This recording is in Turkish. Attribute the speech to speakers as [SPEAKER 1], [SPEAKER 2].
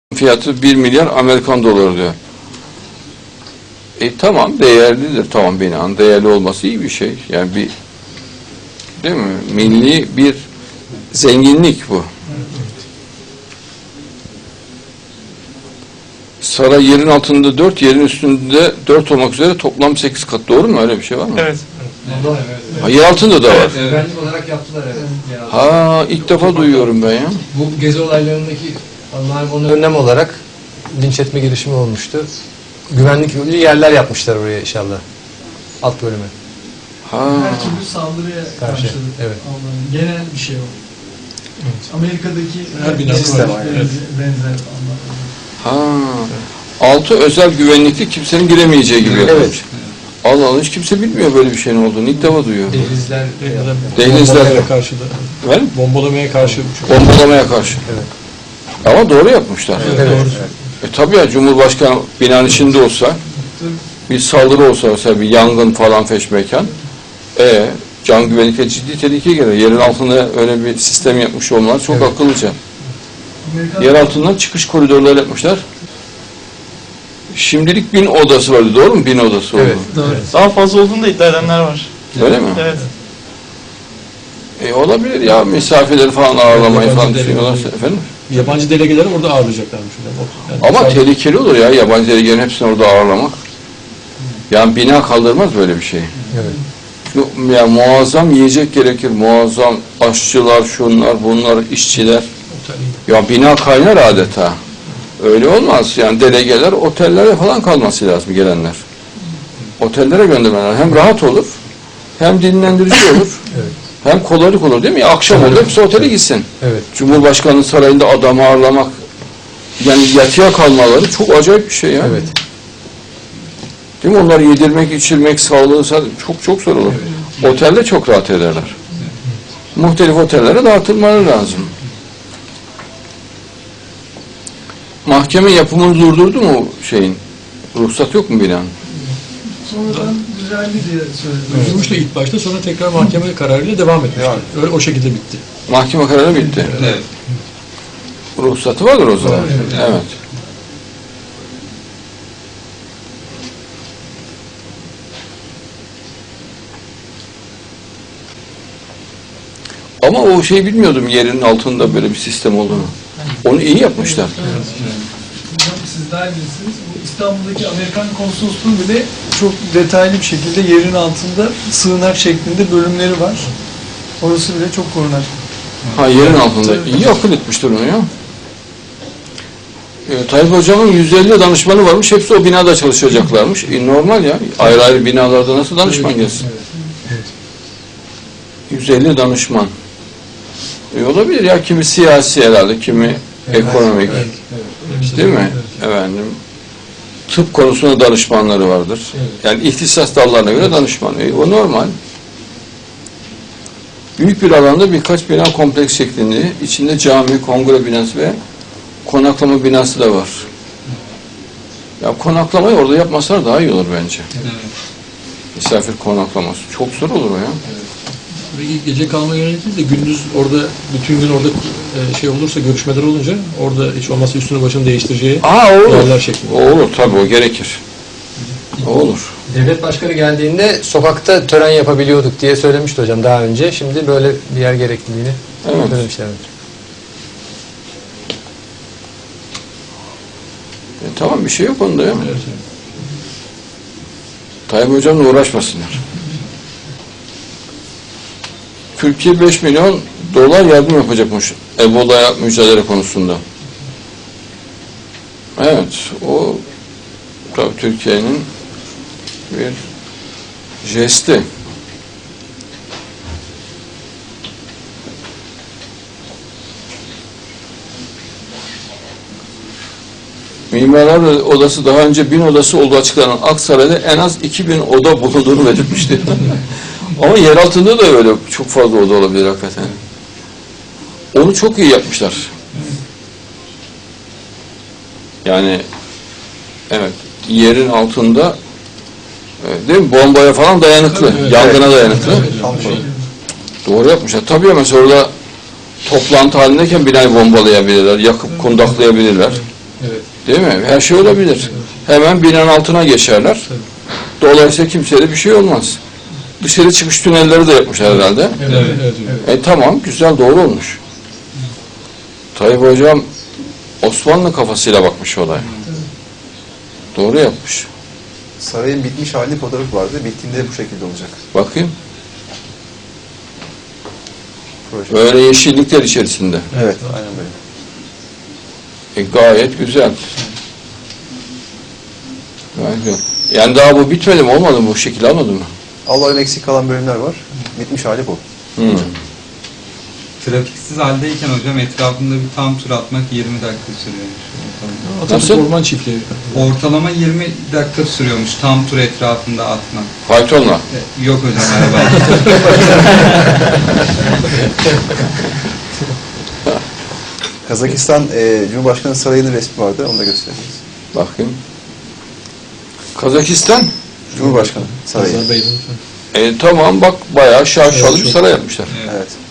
[SPEAKER 1] fiyatı 1 milyar Amerikan doları diyor. Tamam, değerlidir. Tamam, binanın değerli olması iyi bir şey. Yani bir, değil mi? Milli bir zenginlik bu. Saray yerin altında 4, yerin üstünde 4 olmak üzere toplam 8 kat. Doğru mu? Öyle bir şey var mı?
[SPEAKER 2] Evet.
[SPEAKER 1] Ha, yer altında da var.
[SPEAKER 3] Evet, güvenlik olarak yaptılar, evet.
[SPEAKER 1] Ha, ilk defa duyuyorum ben ya.
[SPEAKER 3] Bu gezi olaylarındaki onlar bunu önlem olarak linç etme girişimi olmuştu. Güvenlikli yerler yapmışlar oraya inşallah. Alt bölüme.
[SPEAKER 1] Ha.
[SPEAKER 4] Her türlü saldırıya
[SPEAKER 3] Karşı,
[SPEAKER 4] karşılık
[SPEAKER 3] evet.
[SPEAKER 4] Almanın genel bir şey o.
[SPEAKER 3] Evet.
[SPEAKER 4] Amerika'daki
[SPEAKER 2] Her binada
[SPEAKER 4] sistem
[SPEAKER 2] var, evet.
[SPEAKER 4] benzer anlamda.
[SPEAKER 1] Ha. Altı özel güvenlikli, kimsenin giremeyeceği gibi yapılmış.
[SPEAKER 3] Evet.
[SPEAKER 1] Allah Allah, hiç kimse bilmiyor böyle bir şeyin olduğunu. İlk defa duyuyor.
[SPEAKER 3] Dehlizler,
[SPEAKER 1] Dehlizler.
[SPEAKER 2] Bombalamaya karşı da.
[SPEAKER 1] Efendim?
[SPEAKER 2] Bombalamaya karşı.
[SPEAKER 1] Bombalamaya karşı.
[SPEAKER 3] Evet.
[SPEAKER 1] Ama doğru yapmışlar.
[SPEAKER 3] Evet.
[SPEAKER 1] Tabii ya, Cumhurbaşkanı binanın içinde olsa, bir saldırı olsa, mesela bir yangın falan feşmekan, can güvenlikle ciddi tehlike gelir. Yerin altında öyle bir sistem yapmış olmalar çok akıllıca. Yer altından çıkış koridorları yapmışlar. Şimdilik 1000 odası vardı, doğru mu? 1000 odası oldu.
[SPEAKER 3] Evet.
[SPEAKER 4] Doğru.
[SPEAKER 2] Daha fazla olduğunu da iddia edenler var.
[SPEAKER 1] Öyle mi?
[SPEAKER 2] Evet.
[SPEAKER 1] Olabilir ya, misafirleri falan ağırlamayı
[SPEAKER 2] Yabancı
[SPEAKER 1] falan
[SPEAKER 2] delegeleri.
[SPEAKER 1] düşünüyorlarsa efendim.
[SPEAKER 2] Yabancı delegeleri orada ağırlayacaklarmış. Yani
[SPEAKER 1] Ama
[SPEAKER 2] sadece-
[SPEAKER 1] tehlikeli olur ya, yabancı delegelerin hepsini orada ağırlamak. Yani bina kaldırmaz böyle bir şey.
[SPEAKER 3] Evet.
[SPEAKER 1] Ya muazzam yiyecek gerekir, muazzam aşçılar, şunlar, bunlar, işçiler. Ya bina kaynar adeta. Öyle olmaz. Yani delegeler otellere falan kalması lazım, gelenler. Otellere göndermeler. Hem rahat olur, hem dinlendirici olur,
[SPEAKER 3] Evet.
[SPEAKER 1] hem kolaylık olur, değil mi? Akşam olur, hepsi otele gitsin.
[SPEAKER 3] Evet.
[SPEAKER 1] Cumhurbaşkanının sarayında adamı ağırlamak, yani yatıya kalmaları çok acayip bir şey ya.
[SPEAKER 3] Evet.
[SPEAKER 1] Değil mi? Onları yedirmek, içirmek, sağlığı çok çok zor olur. Otelde çok rahat ederler. Muhtelif otellere dağıtılmaları lazım. Mahkeme yapımını durdurdu mu şeyin? Ruhsat yok mu binanın?
[SPEAKER 4] Sonradan düzeldi diye söylediler.
[SPEAKER 2] Durdurmuştu ilk başta, sonra tekrar mahkeme kararıyla devam etmişti. Öyle o şekilde bitti.
[SPEAKER 1] Mahkeme kararı bitti.
[SPEAKER 2] Evet.
[SPEAKER 1] Ruhsatı vardır o zaman. Evet. Ama o şeyi bilmiyordum, yerin altında böyle bir sistem olduğunu. Onu iyi yapmışlar.
[SPEAKER 4] Hocam siz daha iyi bilirsiniz. Bu İstanbul'daki Amerikan konsolosluğu bile çok detaylı bir şekilde yerin altında sığınak şeklinde bölümleri var. Orası bile çok korunaklı.
[SPEAKER 1] Ha, yerin altında. İyi akıl etmiştir onu ya. Tayyip Hocam'ın 150 danışmanı varmış. Hepsi o binada çalışacaklarmış. Normal ya. Ayrı ayrı binalarda nasıl danışman gelsin? 150 danışman. Olabilir ya. Kimi siyasi herhalde, kimi ekonomik. Değil mi? Efendim. Tıp konusunda danışmanları vardır. Yani ihtisas dallarına göre danışman. O normal. Büyük bir alanda birkaç bina kompleks şeklinde, içinde cami, kongre binası ve konaklama binası da var. Ya konaklamayı orada yapmasalar daha iyi olur bence. Misafir konaklaması. Çok zor olur o ya.
[SPEAKER 2] Ve gece kalma yönelik değil de gündüz orada, bütün gün orada şey olursa, görüşmeler olunca orada hiç olmazsa üstünü başını değiştireceği
[SPEAKER 1] Olur.
[SPEAKER 2] yerler şeklinde.
[SPEAKER 1] O olur tabii, o gerekir. O olur.
[SPEAKER 3] Devlet başkanı geldiğinde sokakta tören yapabiliyorduk diye söylemişti hocam daha önce. Şimdi böyle bir yer gerekliliğini söylemişler.
[SPEAKER 1] Tamam, bir şey yok onda ya.
[SPEAKER 2] Evet.
[SPEAKER 1] Tayyip Hocam'la uğraşmasınlar. Türkiye 5 milyon dolar yardım yapacakmış Ebola'ya mücadele konusunda. Evet, o tabii Türkiye'nin bir jesti. Mimarlar Odası daha önce 1000 odası olduğu açıklanan Aksaray'da en az 2000 oda bulunduğunu belirtmişti. Ama yer altında da öyle çok fazla oda olabilir hakikaten. Onu çok iyi yapmışlar. Yani evet, yerin altında değil mi? Bombaya falan dayanıklı, yangına dayanıklı. Doğru yapmışlar. Tabii mesela orada toplantı halindeyken binayı bombalayabilirler, yakıp kundaklayabilirler.
[SPEAKER 2] Evet.
[SPEAKER 1] Değil mi? Her şey olabilir. Hemen binanın altına geçerler.
[SPEAKER 2] Tabii.
[SPEAKER 1] Dolayısıyla kimseye de bir şey olmaz. Dışarı çıkış tünelleri de yapmışlar herhalde.
[SPEAKER 2] Evet. Evet. Evet.
[SPEAKER 1] Tamam, güzel, doğru olmuş. Tayyip Hocam Osmanlı kafasıyla bakmış olaya. Doğru yapmış.
[SPEAKER 5] Sarayın bitmiş halini fotoğrafı vardı. Bittiğinde bu şekilde olacak.
[SPEAKER 1] Bakayım.
[SPEAKER 5] Proje.
[SPEAKER 1] Böyle yeşillikler içerisinde.
[SPEAKER 5] Evet, aynen böyle.
[SPEAKER 1] Gayet güzel. Gayet güzel. Yani daha bu bitmedi mi? Olmadı mı? Bu şekilde almadı mı?
[SPEAKER 5] Allah'ın eksik kalan bölümler var. Bitmiş hali bu.
[SPEAKER 6] Trafiksiz haldeyken hocam etrafında bir tam tur atmak 20 dakika sürüyormuş.
[SPEAKER 2] Atatürk
[SPEAKER 1] Nasıl?
[SPEAKER 2] Orman Çiftliği.
[SPEAKER 6] Ortalama 20 dakika sürüyormuş tam tur etrafında atmak.
[SPEAKER 1] Faytonla.
[SPEAKER 6] Yok hocam araba.
[SPEAKER 5] Kazakistan Cumhurbaşkanı Sarayı'nın resmi vardı. Onu da göstereceğiz.
[SPEAKER 1] Bakayım. Kazakistan.
[SPEAKER 5] Cumhurbaşkanı Sarayı.
[SPEAKER 2] Azerbaycan.
[SPEAKER 1] Tamam bak bayağı şaşalı bir saray yapmışlar.
[SPEAKER 6] Evet.
[SPEAKER 5] Evet.